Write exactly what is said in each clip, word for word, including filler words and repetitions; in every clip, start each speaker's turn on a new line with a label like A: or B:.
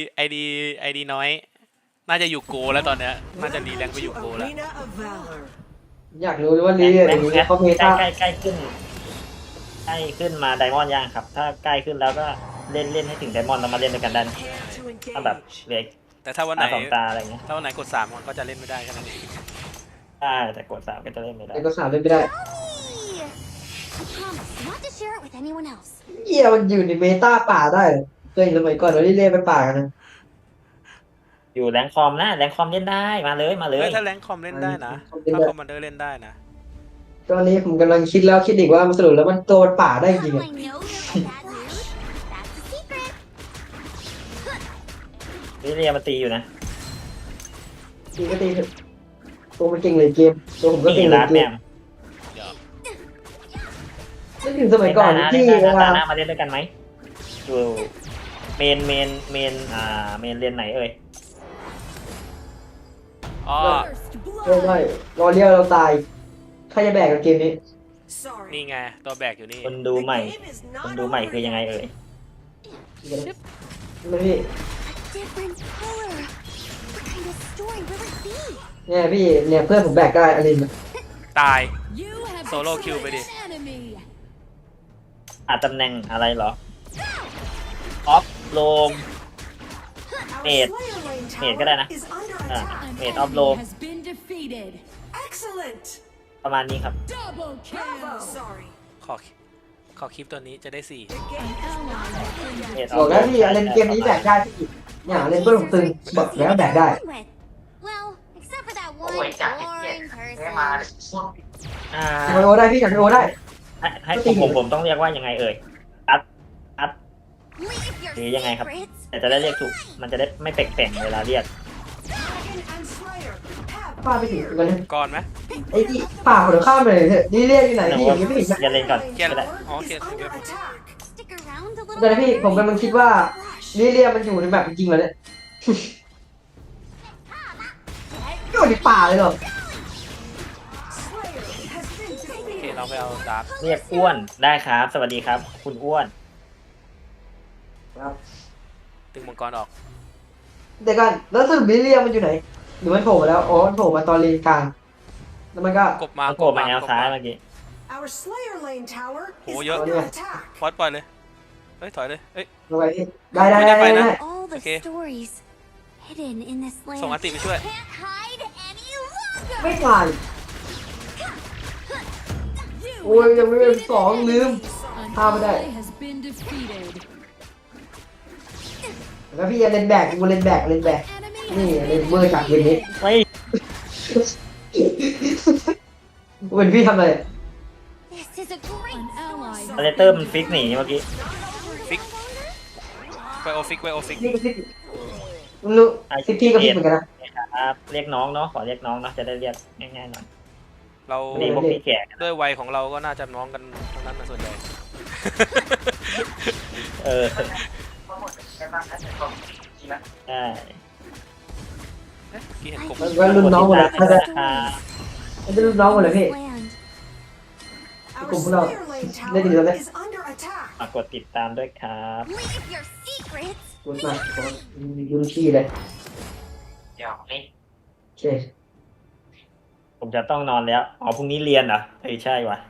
A: ไอดีไอดีน้อยน่าจะอยู่โกแล้วตอนเนี้ยน่าจะรีแรงไปอยู่โกแล้ว
B: อยากรู้ว่าลีอะไรอย่างเงี้ยเขาเม
C: ใกล้
B: ตา
C: ใกล้ใกล้ขึ้นใกล้ขึ้นมาไดมอนด์ย่างครับ ถ้าใกล้ขึ้นแล้วก็เล่นเล่นให้ถึงไดมอนด์แล้วมาเล่นด้วยกันได้ถ้าแบบเหลือ
A: แต่ถ้าวันไหน
C: ตาสองตาอะไรเงี้ย
A: ถ้าวันไหนกดสามมันก็จะเล่นไม่ได้แค่นั้นเอง
C: ได้แต่กดสามก็จะเล่นไม่ได้
B: ไอ้ก็สามเล่นไม่ได้
D: I promise not to share it with anyone else.
B: เหี้ยมันอยู่ในเมตาป่าได้เหรอเคยเห็นสมัยก่อนเราเล่นไปป่ากันนะ
C: อยู่แรงคอมนะแรงคอมเล่นได้มาเลยมาเลย
A: เฮ้ยถ้าแรงคอมเล่นได้นะถ้าคอมมานเดอร์เล่นได้นะ
B: ตอนนี้ผมกำลังคิดแล้วคิดอีกว่ามันสรุปแล้วมันโดนป่าได้จริง
D: How
B: อ่ะ
D: I know you're in that mood? That's a secret.
C: วิเรียมาตีอยู่นะ
B: ตีก็ตีเถอะตัวมันเก่งเลยเกมตัวผมก็
C: ตี
B: เก่งเลย
C: รัด
B: เก
C: แม
B: ม
C: ม
B: นึกถึงสมัยก่อน
C: เล่นได้
B: ที่
C: นะเล่น
B: เว
C: ได้
B: ลา
C: นะมาเล่นด้วยกันไหมอยู่เมนเมนเมนอ่าเมนเรียนไหนเอ่ย
A: อ๋อ
B: เล่นได้รอเลี้ยวเราตายใครจะแบกกับเกมนี้
A: นี่ไงตัวแบกอยู่นี่
C: คนดูใหม่คนดูใหม่คือยังไงเอ่ย
B: ไม่พี่
D: A different color. What kind of story will it be?
B: เนี่ยพี่เนี่ยเพื่อนผมแบกได้อลินอะ
A: ตาย
E: โซ
A: Solo
E: โล่
A: kill
E: คิว
A: ไป
E: ไป
A: ดิ
E: ดิ
C: อาจตำแหน่งอะไรเหรอออฟโลม เมดเมดก็ได้นะอ่าเมดออฟโลมประมาณนี้ครับ
A: ขอขอคลิปตัวนี้จะได้สี่
C: เมดอ
B: บอก
C: อฟโล
B: แล้ว
C: ม
B: พี่อลินเกมนี้แบกได้พี่เนี่ยอลินเพื่อนผมตึงบอกแล้วแบกได้
D: With. Well, except for that one
F: Ôi, chả thích
D: boring
F: Thế
D: person.
F: mà
C: อ่า
B: โอได้พี่อยากโอได้
C: ให้ให้ผมผมผมต้องเรียกว่ายังไงเอ่ยอัดอัด
D: Leave your
C: หรือยังไงครับ
D: secrets.
C: แต่จะได้เรียกถูก มันจะได้ไม่แปลกๆเวลาเรียก
B: ป้าไปถึงกันนะ
A: ก่อนไหม
B: ไอ้ที่ป่าหัวข้ามไปเลยเถอะนี่เรียกอยู่ไหนพี่ยังไม่เห็น
C: อย่าเล่นก่อน
A: เกียร์
C: ก็ได้
A: อ๋อเกียร์
D: Stick around a little
B: แต่นะพี่ผมกำลังคิดว่านี่เรียกมันอยู่ในแบบจริงๆเหรอเนี่ยอยู่ในป่าเลยเหรอ
A: โอเคเราไปเอาดาร์ก
C: เรียกอ้วนได้ครับ สวัสดีครับ คุณอ้วน
B: ครับ
A: ตึงมังกรออก
B: เดี๋ยวกันแล้วสรุปนี่เรียกมันอยู่ไหนหรือมันโผล่มาแล้วอ๋อมันโผล่มาตอนเลนกลางแล้วมันก็
A: กบมา
C: โผล่มาแนวซ้ายเมื่อกี้
G: Our Slayer Lane Tower
A: Oh,
G: is
A: yeah.
G: under attack.
A: ฟอสปล่อยเลยเฮ้ยถอยเลยเฮ้ย
B: ลงไปพี่ได้ได้ได้ได้ได้
D: All the
A: Okay.
D: stories hidden in this
A: ส่งอัน
D: land
A: ติไปช่วย
D: can't hide any longer.
B: ไม่ตายโอ้ยยังไม่เป็นสองลืม พาไม่ได้ แล้วพี่จะเล่นแบกกูเล่นแบกเล่นแบกนี่เล่นเวอร์จากเกมนี้
C: เฮ้ย
B: เป็นพี่ทำอะไร
D: This is a great
C: อเลเตอร์มันฟิกหนีเมื่อกี้
A: ฟิกไวโอฟิกไวโอฟิก
B: พี่ก็พี่รู้สิพี่ก็พี่เหมือนกันนะครับ
C: เรียกน้องเนาะ ขอเรียกน้องเนาะ จะได้เรียกง่ายๆหน่อย
A: เรา
C: ไม่ได้พวกพี่แก่
A: ด้วยวัยของเราก็น่าจะน้องกันทั้งนั้นนะส่วนใหญ่
C: เออ
F: có một cái băng đã thành công gì đó
C: ใช่
A: เอ๊ะเมื่อกี้เห็นกบ
B: แล้วรุ่นน้องหมดเลย
C: ขอบคุณครับ
B: มันเป็นรุ่นน้องหมดเลยพี่
D: land.
G: Our
B: Cùng nào.
G: Slayer Lane
B: Lên thì
G: Tower
B: lên.
G: is under attack.
C: ฝากกดติดตามด้วยครับ
D: Leave your secrets.
B: รุ่นมารุ่นพี่เลย
F: dạo đi
B: โอเค
C: ผมจะต้องนอนแล้ว อ๋อ พรุ่งนี้เรียนเหรอเฮ้ยใช่ว่ะ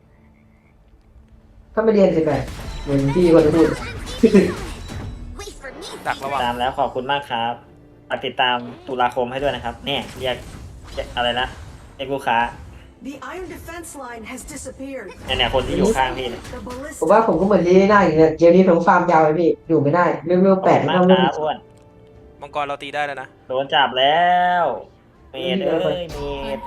B: ถ้าไม่เรียนสิแปดเหมือนพี่คนพูด
D: Wait for me.
A: ดักระหว่าง
C: ตามแล้วขอบคุณมากครับฝากติดตามตุลาคมให้ด้วยนะครับ เนี่ยเรียกเรียกอะไรนะเรียกลูกค้า
G: The iron defense line has disappeared.
C: เนี่ยเนี่ยคนที่อยู่ข้างพี่เนี่ย
G: The
B: ผมว่า
G: ballista
B: ผมก็เหมือนลีน่าอย่างเงี้ยเกมนี้ผมฟาร์มยาวเลยพี่อยู่ไม่ได้เร็วๆแปด
C: ขอบ
B: ให้
C: คุณ
B: เรา
C: มาก
B: เล่น
C: ครับอ้วน
A: มังกรเราตีได้แล้วนะ
C: โดนจับแล้วเมดเอ้ยเมด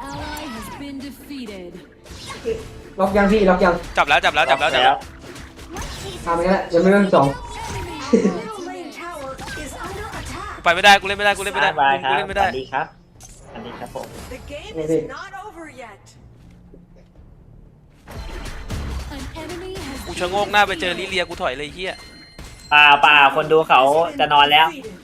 B: ล็อกยังพี่ล็อกยัง
A: จับแล้วจับแล้วจับแล้วจับแล้ว
B: ทำไปแล้วยังไม่เริ่มสอง
G: Slayer Lane Tower is under attack.
A: กูไปไม่ได้กูเล่นไม่ได้กูเล่นไม่ได้
C: บายค
A: กู
C: รับ
A: เล่นไม่
C: ส
A: ได้
C: วัสดีครับสวัสดีครับผม
G: The game
B: Okay.
G: is not over yet.
A: กูชะโงกหน้าไปเจอลิเลียกูถอยเลยเฮีย
C: ป่าป่าคนดูเขาจะนอนแล้ว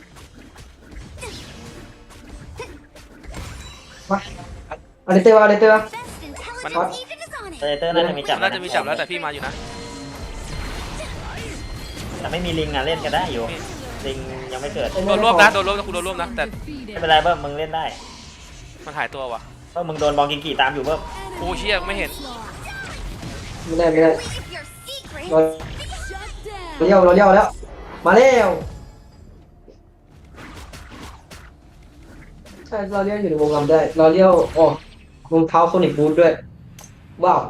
B: มาอะไรเตอร์อะไรเตอร์
D: Best intelligence agent is on
C: เต
D: it.
C: เตอร์น่าจะมีจับ
A: น่าจะมีจับแล้วแต่พี่มาอยู่นะ
C: แต่ไม่มีลิงอ่ะเล่นกันได้อยู่ลิงยังไม่เกิด
A: โดนรวบนะโดนรวบนะกูโดนรวบนะแต่
C: ไม่เป็นไรเบิ้มมึงเล่นได้
A: มันหายตัวว่ะ
C: เบิ้มมึงโดนบองกิงกีตามอยู่เบิ้ม
A: โอ้เชี่ยไม่เห็น
B: ไม่ได้ไม่ได้
D: Leave your secrets
B: เรา
D: shut
B: เลี้ยวเราเลี้ยวแล้วมาแล้วใช่เราเลี้ยวอยู่ในวงลำได้เราเลี้ยวอ๋อรองเท้าโซนิกบูทด้วยว้าว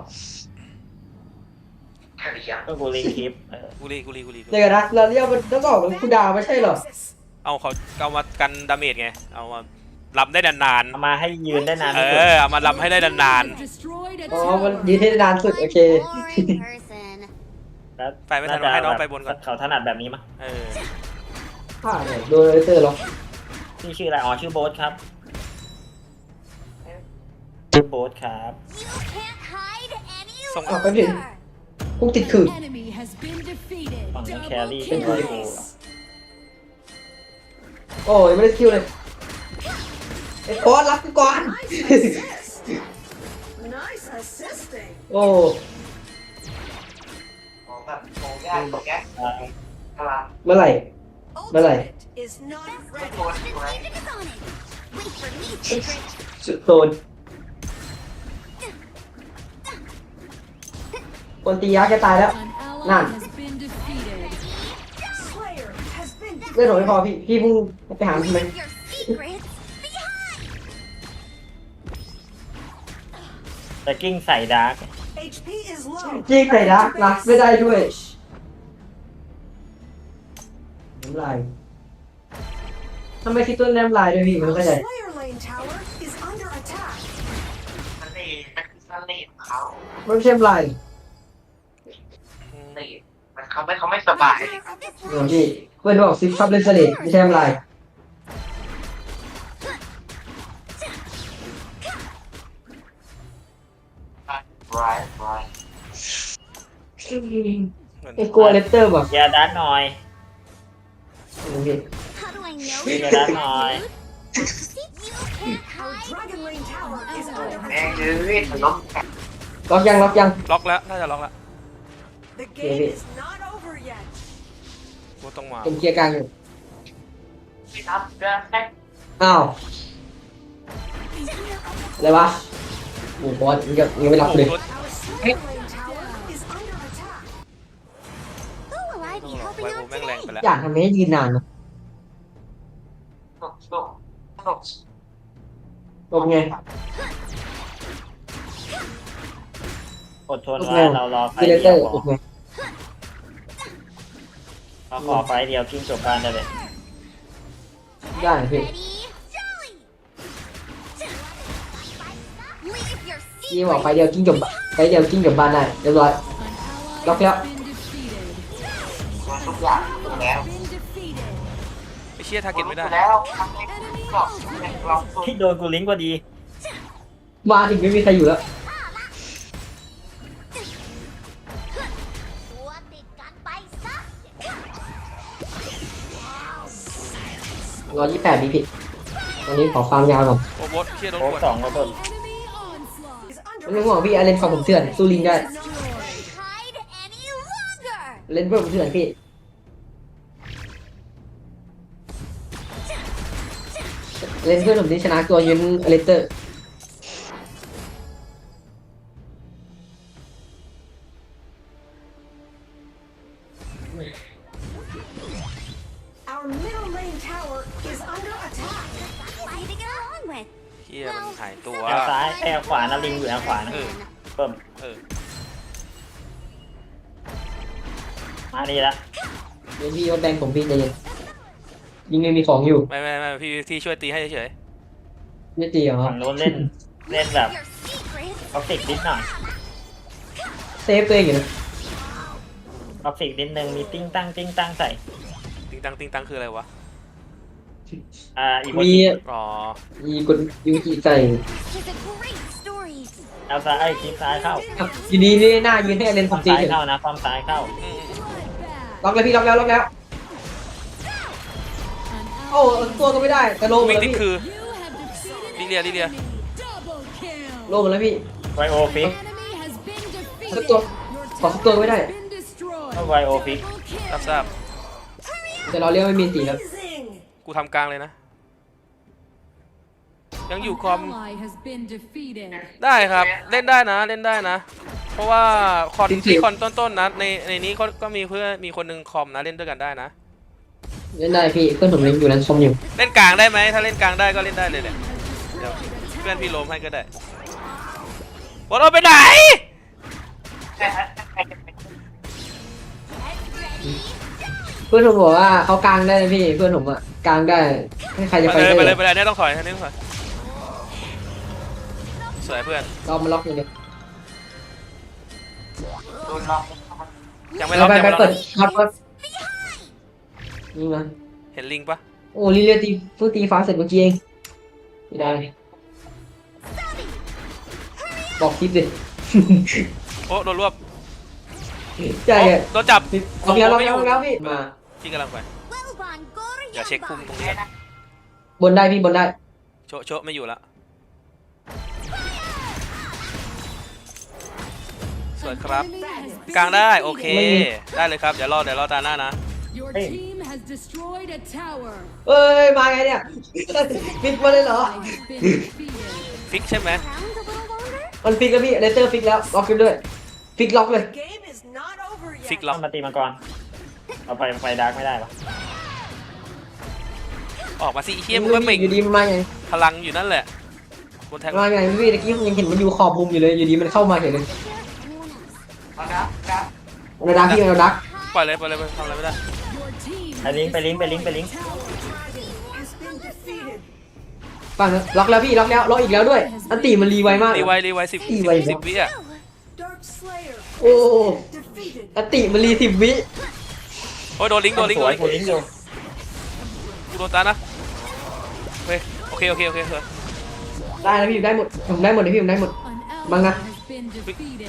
F: แค่เรียง
C: ก็กูลิงคลิปเออ
A: กูรีกูรีกูรี
B: เดี๋ยวกันนะเราเลี้ยวมันต้องออกเป็นคูดาวไม่ใช่เหรอ
A: เอาเขาเอามากันดาเมจไงเอามาลำได้นาน
C: เอามาให้ยืนได้นาน
A: ๆเอ
C: ที่สุด
A: อเอามาลำให้ได้นาน
B: อ๋อมันยืนให้ได้นานสุดโอเค
D: boring person.
C: แล้ว
A: ไปไม่ทันให้น้องไปบนก่อน
C: เขาถนัดแบบนี้มั้ย
A: ๆเออ
B: ผ่านเนี่ยโดนเลเซอร์หรอ
C: พี่ชื่ออะไรอ๋อชื่อโบ๊ทครับชื่อโบ๊ทครับ
D: You can't hide any
A: ส่ง
B: อ่ะไปถึงคุกติดขื่อ
E: Enemy has been defeated.
C: ฝั่งนี้แค
E: Double
C: รี่เป็นร้อยกู
E: kill.
B: โอ้ยไม่ได้สกิลเลยไอ้บอสรับกูก่อน
G: Nice assisting.
B: โอ้
F: ของแบบของยากของแก
C: อ่า
F: กำลัง
B: เมื่อไหร่ เมื่อไหร่
G: Ultimate is not
F: ไม่
G: ready.
F: โดนอยู่ไหน
D: focus on it. Wait for me, secret.
B: สุดโซนคนตียักษ์แกตายแล้ว
E: An ally
B: None.
E: has been defeated.
G: Slayer has been
B: เลือดผมไม่พอพี่ พี่เพิ่งไปหาทำไม
D: Leave your secrets behind.
C: แต่กิ้งใส่ดาร์ก
G: H P is low.
B: จริงใส่รักรักไม่ได้ด้วยน้ำลายทำไมคิดต้นน้ำลายด้วยพี่ไม่
G: Our
B: เข้าใจ
G: Slayer lane tower is under attack.
F: มันนี่มันคือสลีดเขา
B: ไม่ใช่น้ำลาย
F: สลีดมันเขาไม่เขาไม่สบาย
D: Leader of this
B: เดี๋ยวพี่เพื่อนบอกซิปซับเลนสเลดไม่ใช่น้ำลาย
F: ร้ายร้าย
B: ไอ้กลัวเลตเตอร์แบบ
C: แยาดาร์กหน่อย
B: พี่
D: How do I know
C: แยา
D: you're
C: ดาร์กหน่อย
D: You can't
G: Our
D: hide.
G: Dragon lane tower is under
F: แม่ง
G: attack.
F: ยืดมันล้มแข็ง
B: ล็อกยังล็อกยัง
A: ล็อกแล้วน่าจะล็อกแล้ว
G: The game
B: David.
G: is not over yet.
A: กูต้องมา
B: เป็นเคลียร์กลางอยู่
F: ที่ทำเรื่องแค่
B: อ้าวอะไรวะโอ้บอสยังยังไม่รับเลย
G: Our Slayer lane tower is under attack.
D: Who will I
A: ต้อ
D: be
A: งรอ
D: helping
A: ไวโอ
D: out
A: แม่งแรงไป
D: today?
A: แล้ว
B: อยากทำให้ยืนนานนะ
F: สนุกสนุกสนุก
B: ลงไง
C: อดทน
B: ลง
C: ไว้
B: ไง
C: เรารอไฟ
B: ดีเล
C: เดี
B: เตอ
C: ยว
B: ร์
C: พ
B: ล
C: อง
B: ไง
C: เราขอไฟเดียวกิ้งจบบ้านได้เลย
B: ได้พี่
D: Ready? Jolly! Leave your
B: พี่บอก
D: secrets.
B: ไฟเดียวกิ้งจบไฟเดียวกิ้งจบบ้านได้เรียบร้อย
E: An ally
B: Lock it up.
E: has been defeated.
F: มันทุกอย่างถูกแล้ว
E: Been defeated.
A: ไอ้เชี่ยทาร์เก็ตไม่ได้
F: แล้วทำให้ก็ลองตัว
C: ที่โดนกูลิงก์พอดี
B: มาถึงไม่มีใครอยู่แล้ว
D: ตัวติดกันไปซะ
B: ร้อยยี่สิบแปดพี่ผิดตอนนี้ขอความยาวก่อน
A: โอ้บอสเชี่ยโดน
C: โค้
A: ก
C: ก
A: ด
C: สองระเบิด
E: Enemy onslaught.
G: Is under
B: ไม่ต้องห่วงพี่อาเลนฝั่งผมเถื่อนสู้ลิงได้
D: Hide any longer.
B: เล่นเพื่อนผมเถื่อนพี่เล่นเพื่อนผมที่ชนะตัวยืนอเลสเตอร์
G: Our middle lane tower is under attack.
D: Easy to get along with.
A: เชี่ยมันหายตัว
C: แอลซ้ายแอลขวานะลิงอยู่แอลขวานะ
A: เออ
C: เพิ่ม
A: เออ
C: มาดีละ
B: เดี๋ยวพี่ว่าแบงผมพี่ใจเย็นยิงไม่มีของอยู่
A: ไม่ไม่ไม่พี่ที่ช่วยตีให้เฉย
B: ไม่ตีเหรอ
C: ฝั่งโน้นเล่นเล่นแบบ
D: Your secrets.
C: ท็อกซิกนิดหน่อย
B: เซฟตัวเองอยู่นะ
C: ท็อกซิกนิดนึงมีติ้งตั้งติ้งตั้งใส่
A: ๆติงตังติงตังคืออะไรวะ
C: อ่าอีโม
B: มี
C: จิ
A: อ๋อ
B: มีกดยูจิใส่
D: This is a great story.
C: แอลซ้ายไอ้คลิปซ้ายเข้า
B: อ่ะอยู่ดีนี่หน้ายืนให้อาเลน
C: ค
B: ผ
C: วาม
B: มตี
C: ซ้าย
B: เฉย
C: เข้านะความซ้ายเข้า
A: อืม
E: Bloodbath.
B: ล็อกเลยพี่ล็อกแล้วล็อกแล้ว
E: An
B: โอ้
E: ally
B: ตัวก็ไม่ได้แต่โล
A: ๆ
B: มา
A: วิ่ง
B: แล้ว
A: ติด
B: พี่
A: คือ
E: You have defeated
A: Lilia,
E: an
A: Lilia.
E: enemy. Double kill.
B: โลมาแล้วพี่
C: ไวโอฟิก
E: Enemy has been
B: สัก
E: defeated.
B: ตัว
E: Your
B: ขอสักตัวไม่ได้
E: tower has been destroyed.
C: ไวโอฟิก
E: Double kill.
A: รับทราบ
B: แต่เราเรียกไม่มีตีแล้ว
G: Amazing.
A: กูทำกลางเลยนะ ยังอยู่คอม
E: Ally has been defeated.
A: ได้ครับเล่นได้นะเล่นได้นะ เพราะว่าคอนที่คอนต้นๆนะในในนี้ก็ก็มีเพื่อนมีคนหนึ่งคอมนะเล่นด้วยกันได้นะ
B: เล่นได้พี่เพื่อนผมเล่นอยู่นั้นชมอยู่
A: เล่นกลางได้ไหมถ้าเล่นกลางได้ก็เล่นได้เลยเนี่ยเดี๋ยวเพื่อนพี่โลมให้ก็ได้บอลเอาไปไหน
B: เพื่อนผมบอกว่าเขากลางได้นะพี่เพื่อนผมอะกลางได้ให้ใครจะ
A: ไป
B: ไป
A: เลย
B: ได้
A: ไปเลยไปเลยอันนี้ต้องถอยอันนี้ต้องถอยสวยเพื่อน
B: เรามาล็อกอย่างเดียว
F: โดนล็อก
A: ยังไม่ล็อก
B: ไป
A: ยัง
B: ไป
A: ไม่ล็อก
B: เปิดครับครับนี่มา
A: เห็นลิงปะ
B: โอ้ลิเลียตีเพิ่งตีฟ้าเสร็จเมื่อกี้เองไม่ได้บอกคลิปดิ
A: โอ้โดนรวบ
B: ใช่
A: โอ้
B: อะ
A: โดนจับ
B: ล็อกแล้วล็อกแล้วล็อกแล้วพี่มา
A: พี่กำลังไป
D: Well, Von Gore,
A: อย่าเช็คพุ่มตรงนี้
B: บนได้พี่บนได้
A: โชะโชะไม่อยู่ละสวยครับ
E: Enemy has been
A: กลางได้โอเค
E: defeated.
A: ได้เลยครับเดี๋ยวรอเดี๋ยวรอตาหน้านะ
E: Your
C: Hey.
E: team has destroyed a tower.
B: เอ้ยมาไงเนี่ย ฟิกมาเลยเหรอ
E: Ally has been defeated.
A: ฟิกใช่ไหม
D: around a little longer?
B: มันฟิกแล้วพี่เลเตอร์ฟิกแล้วล็อกกันด้วยฟิกล็อกเลย
G: Game is not over
A: ฟิก
G: yet.
A: ล็อก
C: มาตีมังกรเอาไปไฟดาร์กไม่ได้ปะ
A: ออกมาสิเฮียมึงก็เหม่ง
B: อยู่ดีมันมาไง
A: พลังอยู่นั่นแหละบนแทง
B: มาไงพี่ตะกี้ผมยังเห็นมันอยู่ขอบมุมอยู่เลยอยู่ดีมันเข้ามาเห็นเลย
D: Anyone else?
F: เอาดับดับ
B: เราดักพี่เราดัก
A: ปล่อยเลยปล่อยเลยทำอะไรไม่ได้
E: Your team
C: ไปลิงก์ไปลิงก์ไปลิงก์ไปลิงก์
G: Has been defeated.
B: ฟังนะล็อกแล้วพี่ล็อกแล้วล็อกอีกแล้วด้วยอันตีมันรีไวมาก
A: รีไวรีไวสิบ
B: รี
A: สิบ
B: ไว
A: สิบวิอ่ะ
G: Dark Slayer
B: โอ้
G: defeated.
B: อันติมันรีสิบวิ
A: โอ้ยโดนลิงก์โดนลิงก์
C: ส
A: โด
C: วน ย
A: ลิง
C: กู
A: ก์
C: ลิงก์อยู่
A: กูโดนตานะโอเคโอเคโอเคโอเคโอเค
B: ได้แล้วพี่ได้หมดผมได้หมดเลยพี่ผมได้หมด
E: an
B: Bang
E: ally
B: na.
E: has been defeated.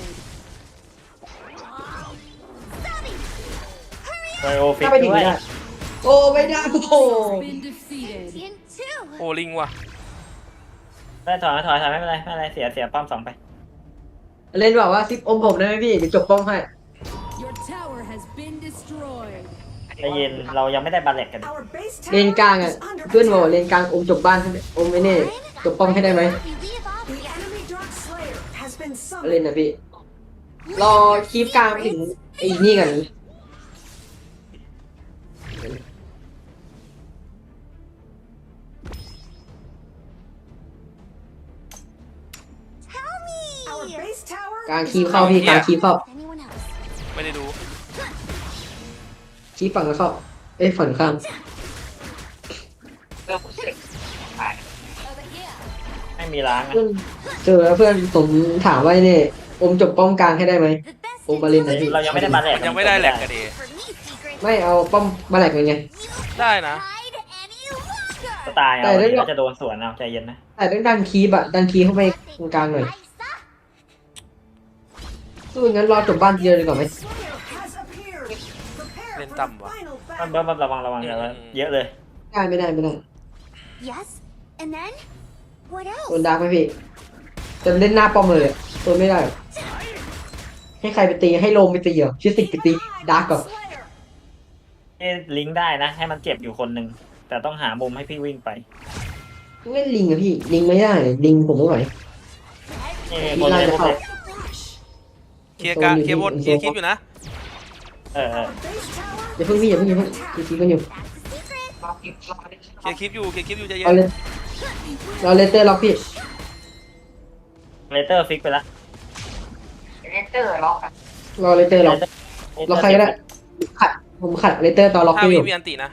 C: ไวโอฟิก
B: ถ้าไปถึง
C: ด้วย
B: ไม่ได้โอ้ไม่ได้โอ้โห
E: Has been defeated.
D: In two.
A: โอ้ลิงว่ะ
C: ไม่ถอยถอยถอยไม่เป็นไรไม่เป็นไรเสียเสียป้อมสองไป
B: เล่นแบบว่าซิปอมผมได้ไหมพี่เดี๋ยวจบป้องให้
E: Your tower has been destroyed.
C: ใจเย็นเรายังไม่ได้บาเลตกัน
G: Our base
B: เลน
G: tower
B: กลางอ่ะ
G: is under
B: เพื่อนบอกว่า
G: attack.
B: เลนกลางอมจบบ้านอมไม่แน่จบป้องให้ได้ไหม
D: We leave off.
G: The enemy Dark Slayer has been
B: เล่น
G: summoned.
B: นะพี่รอคีบกลางถึงไอ้นี่กัน
D: Tell me.
G: Our base tower
B: กลาง
G: is
B: คีบเข้าพี่กลางคีบเข้า
D: Anyone else?
A: ไม่ได้ดู
B: คีบฝั่งแล้วเข้าเอ้ยฝั่งข้าง
F: เริ่มเสร็จ
C: ไม่มีล้างนะ
B: เพื่อนเจอแล้วเพื่อนผมถามว่าเนี่ยอมจบป้อมกลางให้ได้ไหม
D: The best
B: Oh, Balin,
D: is
B: I think.
C: เรายังไม่ได้บาเลต
A: มันยังไม่ได้แหลกกันดี
D: for me, secret.
B: ไม่เอาป้อมมาแหลกยังไง
A: ได้นะ
D: Hide any longer.
C: ก็ตายเอา
B: แต่ได้
C: เดี๋ยวจะโดนสวนเอาใจเย็นนะ
B: แต่ต้องดันคีบอะดันคีบเข้าไปตรงกลางหน่อย
D: Nice, huh?
B: สู้งั้นรอจบบ้านเดียวดีกว่าไหม
G: Slayer has appeared. Prepare
A: Lên
G: for
A: tầm
G: the
A: vào.
G: final
C: มัน
G: battle.
C: เบิ้มระวังระวังเดี๋ยวเยอะเลย
B: ได้ไม่ได้ไม่ได้
D: Yes. And then? What
B: โดน
D: else?
B: ดาร์กไหมพี่จะเล่นหน้าป้อมเลยอะโดนไม่ได้หรอกให้ใครไปตีให้โลมไปตีเหรอชิสิกไปตีดาร์กก่อน
G: Slayer.
C: ให้ลิงก์ได้นะ ให้มันเจ็บอยู่คนหนึ่งแต่ต้องหามุมให้พี่วิ่งไป
B: เล่นลิงอะพี่ลิงไม่ได้ลิงผมไม่ไหว
C: นี่คนเลยคนเลย
A: เคลียร์กลางเคลียร์บนเคลียร์คลิปอยู่นะ
C: เออเออ
G: Base tower
B: อย่าเพิ่งพี่อย่าเพิ่งอย่าเพิ่งคีคีกันอยู่
D: That's the secret.
F: รออีกรออีก
A: เคลียร์คลิปอยู่เคลียร์คลิปอยู่ใจเย็
B: เอา
A: น
B: เลยเราเลเตอร์ล็อกพี่
C: เลเตอร์ฟิกไปละ
F: เลเตอร์ล็อกอะ
B: รอเลเตอร์ล็อกล็อกใครก็ได้ขัดผมขัดเลเตอร์ตอนล็อก
A: ห้า
B: พี่อ
A: วิ
B: ยู่
A: มีอันตินะ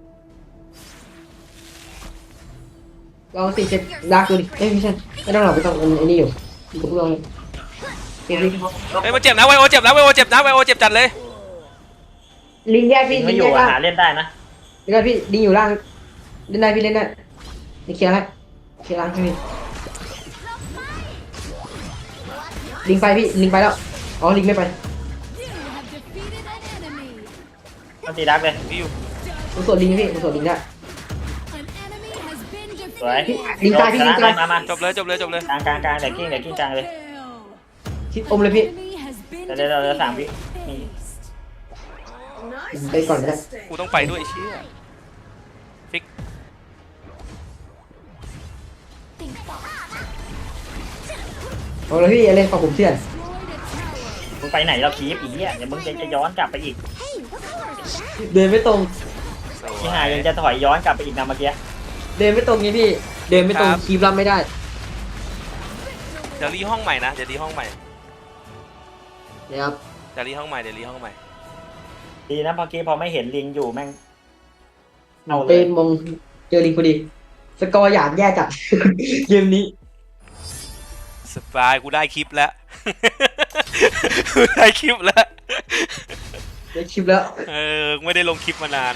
B: ลองสิเช็ดดาร์กดูดิเอ้ยไม่ใช่ไม่ต้องหรอกไม่ต้องอันอันนี้อยู่อยู่กับพวกเราเลยเก็บลิง
A: เฮ้ยมันเจ็บนะไวโอเจ็บนะไวโอเจ็บนะไวโอเจ็บจัดเลย
B: ลิงแยก
C: ลิ
B: พี่
C: งก์
B: ลิ
C: ไม่
B: ง
C: อยู่
B: แยก
C: อะ
B: ล่าง
C: หาเล่นได้นะ
B: เดี๋ยวก่อนพี่ลิงอยู่ล่างเล่นได้พี่เล่นได้นี่เคลียร์ให้เคลียร์ล่างให้พี่ลิงไปพี่ลิงไปแล้วอ๋อลิงไม่ไป
E: You have defeated an enemy.
C: มันตีดักเลย
A: พี่อยู่
B: ผมส่วนลิงให้พี่ผมส่วนลิงได้
E: An enemy has been
C: สวย
E: defeated.
B: ลิงตายพี่
C: ช
B: ลิ
C: นะ
B: งตาย
C: มามา
A: จบเลยจบเลยจบเลย
C: กลางกลางกลางเดี๋ยวกิ้งเดี๋ยวกิ้งกลางเลย
E: Kill.
B: ชิดอมเลยพี่
E: Enemy has been
C: เดี๋ยวเดี๋ยวเดี๋ยวสามวิ
E: defeated.
C: นี่
G: Nice
B: ไปก่อนนะ
G: assisting.
A: กูต้องไปด้วยไอ้เชี่ยฟิก
B: เอาเลยพี่เล่นของผมเถื่อน
C: มึงไปไหนเราคีบอีกเนี่ยเดี๋ยวมึงจะย้อนกลับไปอีก
D: Hey, what color is that?
B: เดินไม่ตรง
A: สวย
C: ที่หายยังจะถอยย้อนกลับไปอีกนะเมื่อกี้
B: เดินไม่ตรงไงพี่ เดินไม่ตรงคีบรับไม่ได้
A: เดี๋ยวรีห้องใหม่นะเดี๋ยวรีห้องใหม่
B: นะครับ
A: เดี๋ยวรีห้องใหม่เดี๋ยวรีห้องใหม่
C: ดีนะเมื่อกี้พอไม่เห็นลิงอยู่แม่งเอาเล
B: เป็
C: ย
B: นมงเจอลิงพอดี สกอร์หยาดแย่จัด เกมนี้
A: สบายกูได้คลิปแล้ว กูได้คลิปแล้ว
B: ได้คลิปแล้ว
A: เออไม่ได้ลงคลิปมานาน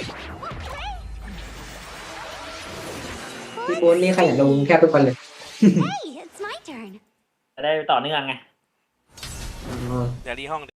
B: พี่โบนนี่ขยันลงแคบทุกคนเลย
D: Hey, it's my turn.
C: จะได้ต่อเนื่องไง
B: อ๋อ
A: เดี๋ยวรีห้อง